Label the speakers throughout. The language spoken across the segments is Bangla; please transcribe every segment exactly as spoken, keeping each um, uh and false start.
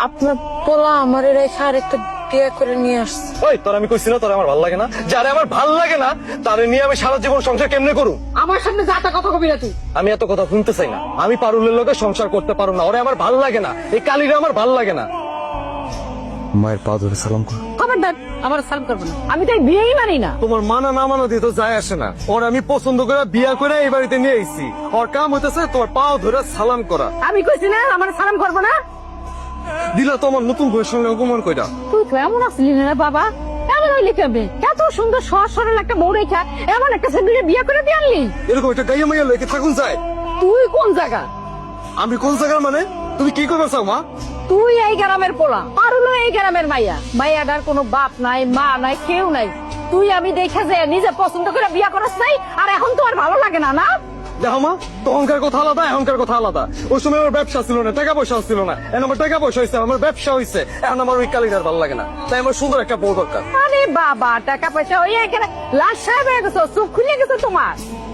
Speaker 1: আপনার পোলা আমার রেখা আর একটা বিয়ে করে নিয়ে আসছে।
Speaker 2: ওই তোর আমি কইছি না তোর আমার ভাল লাগে না, যারে আমার ভাল লাগে না তারে নিয়ে আমি সারা জীবন সংসার কেমনে করুম?
Speaker 1: আমার সামনে যাতা কথা কবি না তুই।
Speaker 2: আমি এত কথা শুনতে চাই না। আমি পারুলের লোকে সংসার করতে পারো না, ওরে আমার ভাল লাগে না, এই কালিরে আমার ভাল লাগে না। মায়ের পা ধরে সালাম কর।
Speaker 1: খবরদার আমার সালাম করবো না, আমি তাই বিয়েই মানি না।
Speaker 2: তোমার মানা না মানা দিয়ে তো যায় আসে না। ওর আমি পছন্দ করে বিয়া করে এই বাড়িতে নিয়ে আইছি, ওর কাম হইতেছে তোমার পাও ধরে সালাম করা।
Speaker 1: আমি কইছি না আমার সালাম করবো না।
Speaker 2: দিলা তোমার নতুন বউয়ের সঙ্গে অপমান কইরা।
Speaker 1: তুই তো এমন আসলি না বাবা, এমন হইলি কেমনে? এত সুন্দর সহজ সরল একটা বউ রেখা এমন একটা ছেলে বিয়ে করে দিয়ে আনলি।
Speaker 2: এরকম একটা গাইয়া মাইয়া লইকে থাকুন যায়।
Speaker 1: তুই কোন জায়গা?
Speaker 2: আমি কোন জায়গার মানে? তুমি কি করবে চাও মা?
Speaker 1: তুই এই গ্রামের পোলা, পারুলো এই গ্রামের মাইয়া। মাইয়াটার কোনো বাপ নাই, মা নাই, কেউ নাই। তুই আমি দেখে যে নিজে পছন্দ করে বিয়ে করাস নাই, আর এখন তো আর ভালো লাগে না না?
Speaker 2: দেখো মা, তখনকার কথা আলাদা, এখনকার কথা আলাদা। ওই সময় আমার ব্যবসা ছিল না, টাকা পয়সা ছিল না। এখন আমার টাকা পয়সা হয়েছে, আমার ব্যবসা হয়েছে, এখন আমার ওই কালিদার ভালো লাগে না। তাই আমার সুন্দর একটা বউ দরকার।
Speaker 1: আরে বাবা, টাকা পয়সা ওই এখানে লাশ সাহেব হয়ে গেছো, চোখ খুলে গেছে তোমার।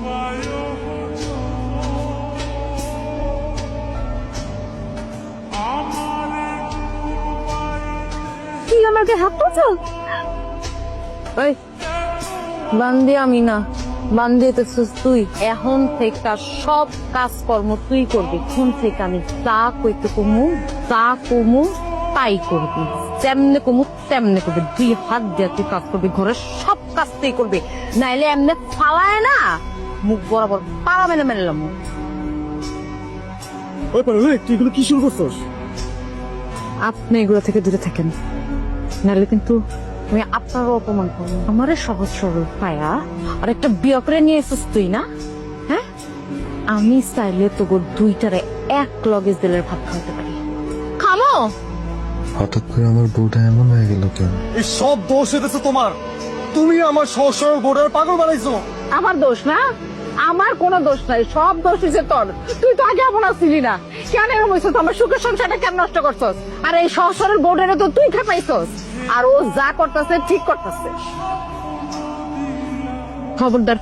Speaker 1: কি আমাকে হাত তুলছো? ওই বান্দি আমি না, বান্দি তো তুই। এখন থেকে সব কাজকর্ম তুই করবি। এখন থেকে আমি তা কইতে কমু, তা কমু তাই করবি। যেমনে কমু তেমনে করবি। দুই হাত দিয়ে তুই কাজ করবি, ঘরের সব কাজ তুই করবি। নাইলে এমনি ফালায় না মুখ বরাবর পাড়া মেলে মেলাম।
Speaker 2: ওই পারো তুই এগুলো কি শুরু করছস?
Speaker 1: আপনি এগুলো থেকে দূরে থাকেন, নাহলে কিন্তু আমি আপনারও অপমান করবো। আমারে সহজ সরল পায়া আর একটা বিয়ে করে নিয়ে এসেছিস তুই না? হ্যাঁ, আমি চাইলে তোর দুইটারে এক লগেজ দিলের ভাত খাওয়াতে পারি। খামো।
Speaker 3: হঠাৎ করে আমার বউটা এমন হয়ে গেল কেন?
Speaker 2: এই সব দোষ হইতেছে তোমার। তুমি আমার সহজ সরল বউটার পাগল বানাইছো।
Speaker 1: আমার দোষ না, আমার কোনো দোষ নাই, সব দোষ হয়েছে তোর। তুই তো আগে এমন আসছিলি না, কেন এরকম হয়েছে? আমার সুখের সংসারটা কেন নষ্ট করছস? আর এই সহজ সরল বোর্ডের তো তুই খেপাইছস। আর ও যা করতেছে ঠিক করতেছে। খবরদার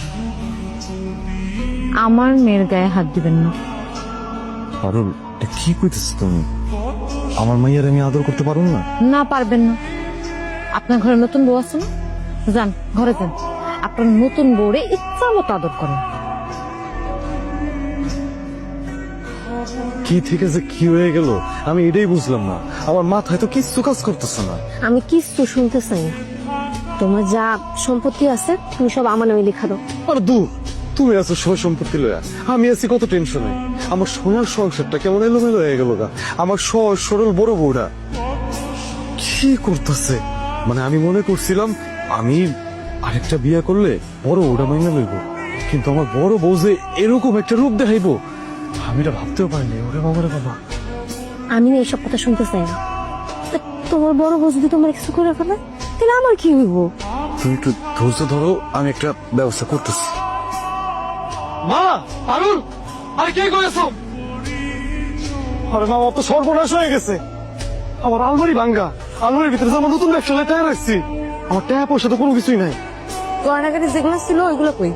Speaker 1: আমার মেয়ের গায়ে হাত দিবেন না।
Speaker 3: পারুল, এটা কি কইতেছ তুমি? আমার মাইয়ার আমি আদর করতে পারুম না?
Speaker 1: না পারবেন না। আপনার ঘরে নতুন বউ আছে না? যান ঘরে যান, আপনার নতুন বউরে ইচ্ছা মতো আদর করেন।
Speaker 3: কি ঠিক আছে, কি হয়ে গেল আমি এটাই বুঝলাম না। আমার মাথায় তো কিচ্ছু কাজ করতেছে না।
Speaker 4: আমি কিচ্ছু শুনতে চাই না। তোমার যা সম্পত্তি আছে তুমি সব আমার নামে লেখা দাও।
Speaker 3: আর দূর, তুমি আছো সয় সম্পত্তি লয়া, আমি আছি কত টেনশনে। আমার সোনার সংসারটা কেমন এলোমেলো হয়ে গেল গা। আমার সহজ সরল বড় বউরা কি করতেছে? মানে আমি মনে করছিলাম আমি আরেকটা বিয়ে করলে বড় বউটা মাইনা লইব, কিন্তু আমার বড় বউ যে এরকম একটা রূপ দেখাইবো আমি এটা ভাবতেও পারিনি। ওরে বাবা রে বাবা,
Speaker 4: আমি না এইসব কথা শুনতে চাই না। তা তোমার বড় বউ যদি তোমার কিছু করে ফেলে তাহলে আমার কি হইব?
Speaker 3: তুমি একটু ধৈর্য ধরো, আমি একটা ব্যবস্থা করতেছি।
Speaker 2: মা, পারুল, আরে কি করেছো? আরে মা, অত সর্বনাশ হয়ে গেছে। আমার আলমারি ভাঙ্গা, আলমারির ভিতরে আমার নতুন ব্যবসা টাকা রাখছি। আমার টাকা পয়সা তো কোনো কিছুই নাই।
Speaker 1: গয়নাগাটি যেগুলো ছিল ওইগুলো কই?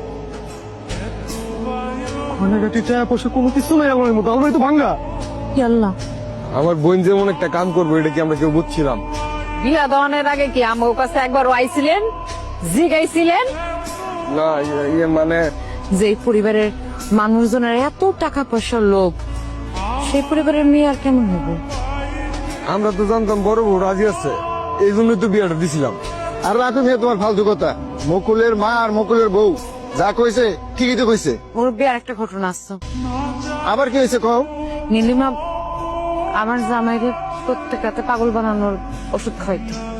Speaker 2: গয়নাগাটি টাকা পয়সা কোনো কিছু নাই আলমারির মধ্যে, আলমারি তো ভাঙ্গা।
Speaker 1: কি আল্লাহ,
Speaker 3: আমার বোন যেমন একটা কাম করবো এটা কি আমরা কেউ বুঝছিলাম?
Speaker 1: বিয়া দেওয়ানের আগে কি আমার কাছে একবার আইছিলেন, জিগাইছিলেন
Speaker 3: না ইয়ে মানে
Speaker 1: যে পরিবারের মানুষজনের এত টাকা পয়সার লোভ, সেই পরিবারের মেয়ে আর কেমন হবে?
Speaker 3: আমরা তো জানতাম বড় বউ রাজি আছে, এই জন্যই তো বিয়েটা দিছিলাম।
Speaker 5: আর রাখো মেয়ে তোমার ফালতু কথা। মকুলের মা আর মকুলের বউ যা কইছে ঠিকই তো কইছে।
Speaker 1: ওর বিয়ার একটা ঘটনা আসছে।
Speaker 5: আবার কি হয়েছে কও?
Speaker 1: নীলিমা আমার জামাইকে প্রত্যেক রাতে পাগল বানানোর ওষুধ খাইতো।